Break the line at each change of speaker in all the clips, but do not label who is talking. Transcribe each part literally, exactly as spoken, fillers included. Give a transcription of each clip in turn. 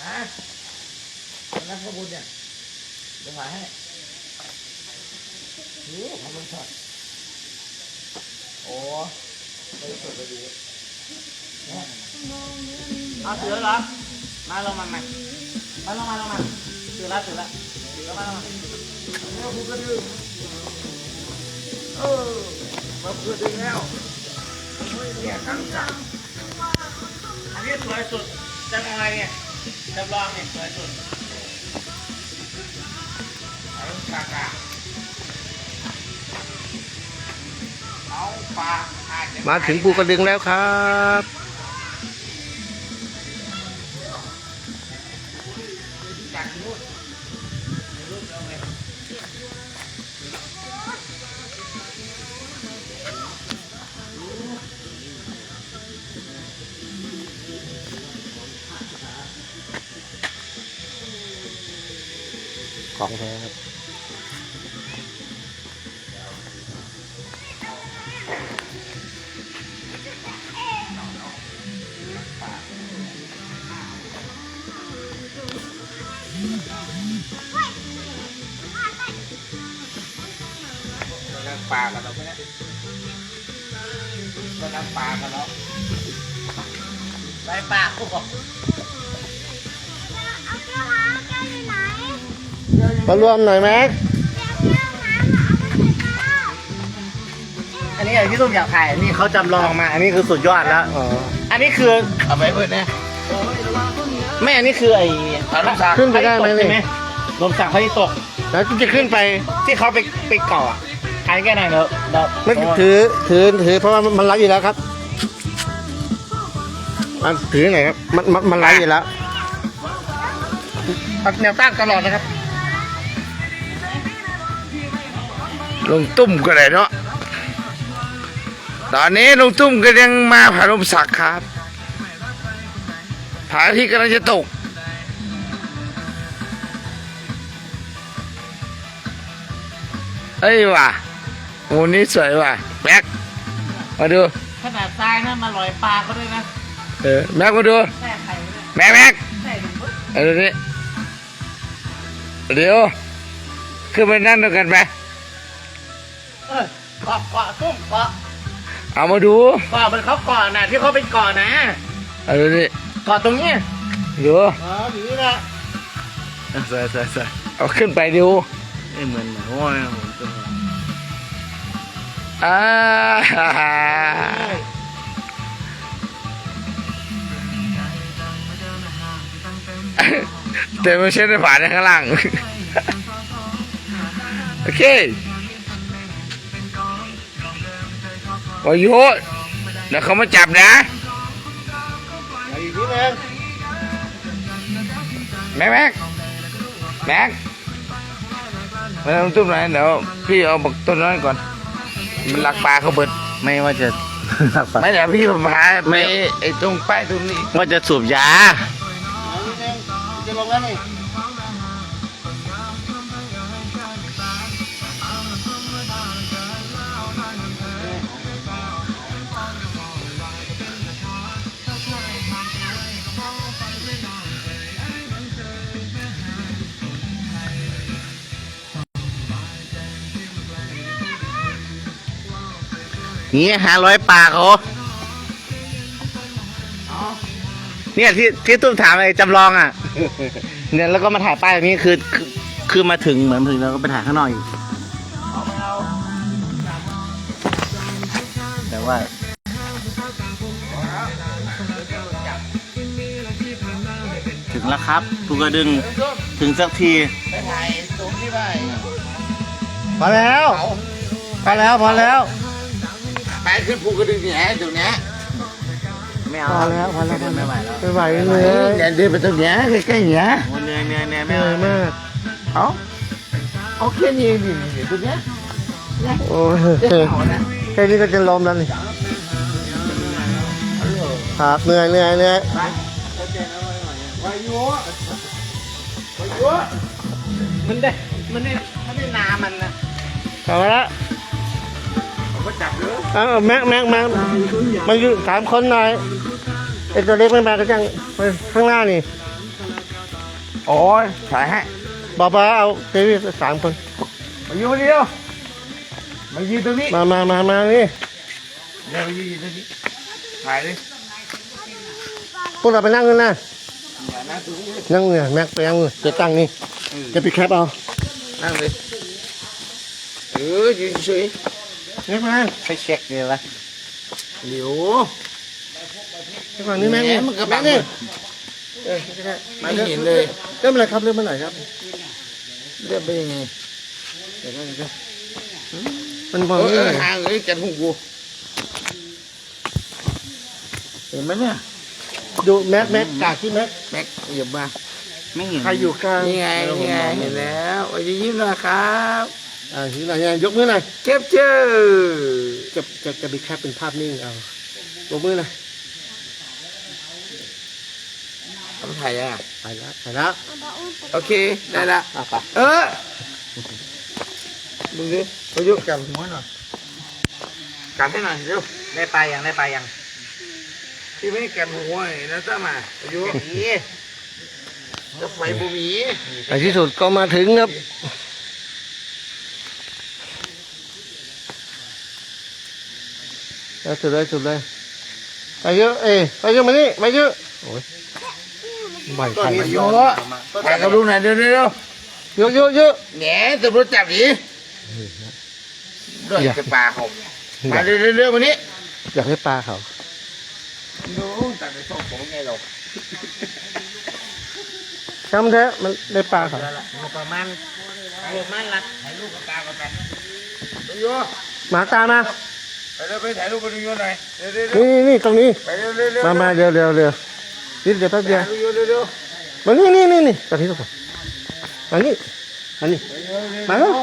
ะนักพระบุญเนี่ยเดี๋ยวถ่ายให้โอ้ทำมันช็อตโอ้ไปสดไปดีเอาถือแล้วเหรอมาลงมาใหม่มาลงมาลงมาถือแล้วถือแล้วถือแล้วมาลงมาแล้วพูดกันดึงเออมาพูดดึงแล้วเนี่ยทั้งจังอันนี้สวยสุดจังอะไรเนี่ยจำลองเนี่ยสวยสุดเอาปากกาเอาปาก
มาถึงภูกระดึงแล้วครับของแท้ครับ
นั่งปลากันเราไหมเนี่ยก็นั่งปลากันแล้วไปปลาพวกบอก
มารวมหน่อยแม็ก
อันนี้อย่างที่ตุ้มอยากถ่ายอันนี้เขาจำลองมาอันนี้คือสุดยอดแล้วอันนี้คือเอาไปเพื่อนเนี่ยไม่อันนี้คือไอ้ลมสัก
ขึ้นไปได้ไหมเนี่ย
ลมสักเขาที่ตก
แล้วจะขึ้นไป
ที่เขาไปไปเกาะถ่ายแค่ไหนเนอะ
ไม่ถือถือถือเพราะว่ามันไล่อยู่แล้วครับมันถือไหนครับมันมันมันไล่อยู่แล้ว
แนวตั้งตลอดนะครับ
ลงตุ้มก็ได้เนาะตอนนี้ลงตุ้มก็ยังมาผาลมสักครับผาที่กำลังจะตกเอ้ยว่ะโอ้นี่สวยว่ะแม็กมาดู
ขนาดทรายนะมาลอยปลาก็ด้วยนะ
เออแม็กมาดูแม็กแม็กเอาดูนี่เดี๋ยวขึ้นไปนั่งด้วยกันไหม
เออเกาะเกาะตุ้มเกาะ
เอามาดู
เกาะมันเขาเกาะน่ะที่เขาเป็นเกาะนะ
เอาดูนี่
เกาะตรงนี้
ดู
อ๋ออยู่นี่นะ
ใส่ใส่ใส่เอาขึ้นไปดู
เอ้เหมือนเหมือนโอ้ยตัว
อ่าแต่ไม่ใช่ในผ่านข้างล่างโอเควายุเดี๋ยวเขามาจับนะแม็กแม็กแม็กมาทำตุ้มไหนเดี๋ยวพี่เอาบักต้นน้อยก่อนมันลักปลาเขาเบิด
ไม่ว่าจะ
ไม่เดี๋ยวพี่ผมหาไม่ไอ้ตรงป้ายตรงนี้
ว่าจะสูบยาจะลงแล้วนี่
นี่หาร้อยปลาเขาเนี่ยที่ที่ตุ้มถามไอ้จำลองอ่ะเนี่ยแล้วก็มาถ่ายป้ายตรงนี้คือคือคือมาถึงเหมือนถึงแล้วก็ไปถ่ายข้างนอกอยู่แต่ว่าถึงแล้วครับภูกระดึงถึงสักที
ไปถ่ายตรงที่บ้าน
พอแล้วพอแล้วพอแล้ว
ไปขึ้นภูกระดึงเนี่ยตรงนี้
ไม่เอาพอแล้วพอแล้ว
ไม่ไหวแล้ว
ไม่ไหวเลย
เนี่ยเดินไปตรงนี้ใกล้ๆเนี่ย
เหนื่อยเหนื่อยเหนื่อยไม่เอามาก
เอาเอาแค่นี้ดิตรงนี้
โอ้แค่นี้ก็จะล้มแล้วนี่ครับเหนื่อยเหนื่อยเหนื่อย
วายุวายุมันได้มันได้มันได้นามันนะ
พอแล้ว
ก็จับเยอะ
เออแม็กแม็กแม็กมันอยู่สามคนหน่อยไอตัวเล็กไม่มาก็จังไปข้างหน้านี่
โอ้ยถ่ายให้
บอกมาเอาเทวีสามคน
มาอยู่คนเดียวมายืนตรงนี้
มามามามานี่
เดี๋ยวมายืนตรงนี้ถ่ายเลย
พวกเราไปนั่งกันนะ
อย่านั่งตรงนี้เลย
นั่งเนี่ยแม็กไปนั่งเลยจะตั้งนี่จะปิดแคปเอา
นั่งเลยเออยืนเฉย
แม็กมา
ไปเช็คเลยวะ
เดี๋ยว
แม็กมานี่แม็กนี่
มันก็
แม็
บั
ก
ง
นี่
เออไม่เห็นเลย
เริ่มอะไรครับเริ่มเมื่อไหร่ครับ
เรียบไปยังไงเดี๋ยวเดี๋ยว
มันบอก
เอ
นี่
อห่างเลยจันหูกูเห็นไหมเนี่ย
ดูแม็กแม็กกากที่แม็ก
แม็กหยิบมา
ไม่เห็น
ใครอยู่กลาง
นี่ไงนี่ไงเห็นแล้วโอ้ยยิ้มหน่อยครับ
อ่าทีไหนเนี่ยยกมือหน่อย
เก็บเจอ
จะจะจะมีแคปเป็นภาพนิ่งเอายกมือหน่อย
ทำถ่ายยังอ่ะ
ไปแล้วไปแล้ว
โอเคได้ละ
อ่ะไป
เออดูดิประยุกต์กันหัวหน่อยกันให้หน่อยเร็ว
ได้ปลายังได้ปลายัง
ที่ไม่กันหัวนี่นะจ้ามาประยุกต์
นี่
จะไฟบุหมี
ในที่สุดก็มาถึงครับเอาสุดเลยสุดเลยไปเยอะเอ้ยไปเยอะมานี่ไปเยอะโอ้ยใบไข่
ประยุกต์ถ่ายกับลูกหน่อยเร็วเร็ว
เยอะเยอะเยอะ
แหน่ตำรวจจับดิด้วยจะปลาเขามาเร็วเร็วเร็ววันนี้
อยากให้ปลาเขา
ดูตัดในช่องผมไงหรอก
ช้ำแท้มันได้ปลาเขา
ประมาณประมาณละถ่ายรูปกับตากันไป
ประยุกต์
หมาตามมา
ไปเร็วไปถ่ายรูปกับประยุกต์หน่อยเร็วเร็วเร็ว
นี่นี่ตรงนี้
ไปเร็วเร็วเร็ว
มามาเร็วเร็วเร็วนิดเดียวแป๊บเดียว
ถ่ายประยุกต์เร็วเร็ว
มานี่นี่นี่นี่ตอนนี้ทุกคนมานี่มานี่มาแล้ว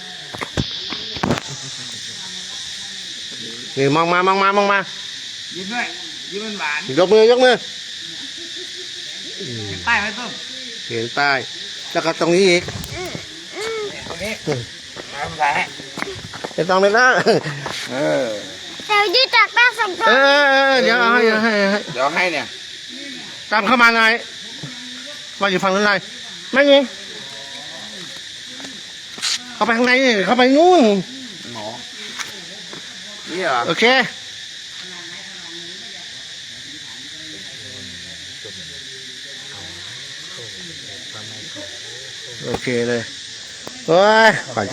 นี่มองมามองมามองมา
ยิ้มด้วยยิ้มมันหวาน
ยกมือยกมือ
ป้ายไว้ต้ม
เห็นป้ายแล้วก็ตรงนี้อีก
ตรงนี้มาทำถ่ายให้
ไม่ต้องไม่ต้อง
เออ
แต่ยืดจากหน้าสองตัว
เออเดี๋ยวเอาให้เอาให้เอาให้
เดี๋ยวให้เนี่ย
ตามเข้ามาหน่อยว่าอยู่ฝั่งนู้นหน่อยไม่ยิงเข้าไปข้างในนี่เข้าไปนู่น
หมอนี่เหรอ
โอเคโอเคเลยโอ้ย